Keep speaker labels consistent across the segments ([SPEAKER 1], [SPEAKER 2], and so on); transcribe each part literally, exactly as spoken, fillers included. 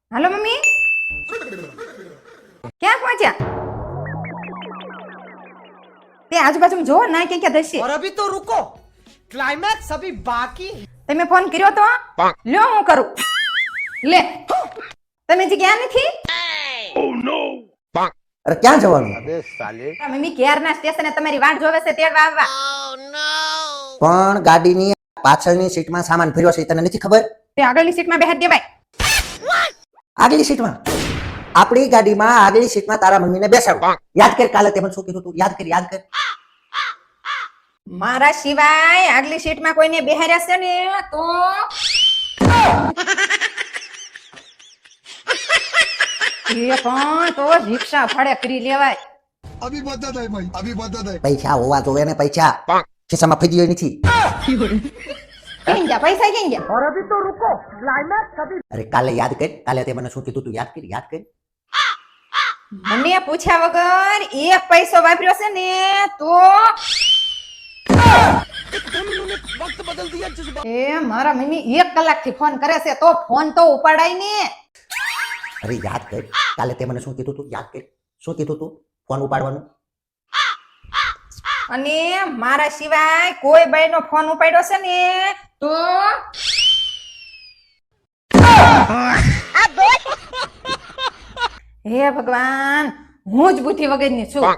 [SPEAKER 1] હાલો mummy, ક્યાં પહોંચ્યા? તે આજુબાજુ જો ના કે ક્યાં દશે.
[SPEAKER 2] और अभी तो रुको, क्लाइमैक्स अभी बाकी है.
[SPEAKER 1] તમે ફોન કર્યો તો લ્યો હું કરું. લે તમે જે ગયા નથી.
[SPEAKER 3] અરે ક્યાં જવાનું?
[SPEAKER 1] આ મમ્મી ક્યારના સ્ટેશને તમારી વાટ જોવે છે તેડવા આવવા.
[SPEAKER 3] પણ ગાડીની પાછળની સીટમાં સામાન ભર્યો છે તને નથી ખબર?
[SPEAKER 1] તે આગળની સીટમાં બેહાડી દેવાય.
[SPEAKER 3] આગલી સીટમાં આપણી ગાડીમાં આગલી સીટમાં તારા મમ્મીને બેસાડો. યાદ કર કાલે તે મને શું કીધું તું? યાદ કર યાદ કર.
[SPEAKER 1] મારા સિવાય આગલી સીટમાં કોઈને બેહાડ્યા છે ને તો એ પણ તો રિક્ષા ભાડે કરી લેવાય.
[SPEAKER 4] अभी बता दे भाई अभी बता दे
[SPEAKER 3] પૈસા હોવા જોવે ને પૈસા. ખિસ્સામાં ફેંકી નથી.
[SPEAKER 1] કેમ ગયા પૈસા કેમ ગયા?
[SPEAKER 2] और अभी तो रुको, क्लाइमैक्स अभी.
[SPEAKER 3] અરે કાલે યાદ કર કાલે તે મને શું કીધું તું? યાદ કર યાદ કર.
[SPEAKER 1] મને પૂછ્યા વગર એક પૈસો વાપર્યો છે ને તો એ મારા મમ્મી એક કલાક થી ફોન કરે છે તો ફોન તો ઉપાડાય ને.
[SPEAKER 3] અરે યાદ કર કાલે તે મને શું કીધું તું? યાદ કર શું કીધું તું? ફોન ઉપાડવાનું.
[SPEAKER 1] અને મારા સિવાય કોઈ બાઈ નો ફોન ઉપાડ્યો છે ને તો હે ભગવાન, હું જ બુદ્ધિ વગરની છું.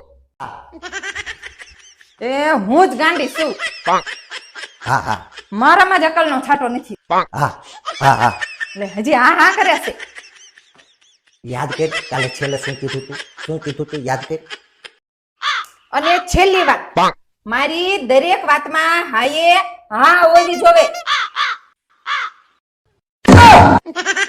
[SPEAKER 1] એ હું જ ગાંડી છું.
[SPEAKER 3] હા હા
[SPEAKER 1] મારામાં જ અકલનો છાંટો નથી.
[SPEAKER 3] હા હા હા
[SPEAKER 1] એટલે હજી હા હા કરે છે.
[SPEAKER 3] યાદ કર કાલે છેલ્લે શું કીધું તું? શું કીધું તું? યાદ કર.
[SPEAKER 1] અને છેલ્લી વાત, મારી દરેક વાતમાં હાયે હા ઓલી જોવે.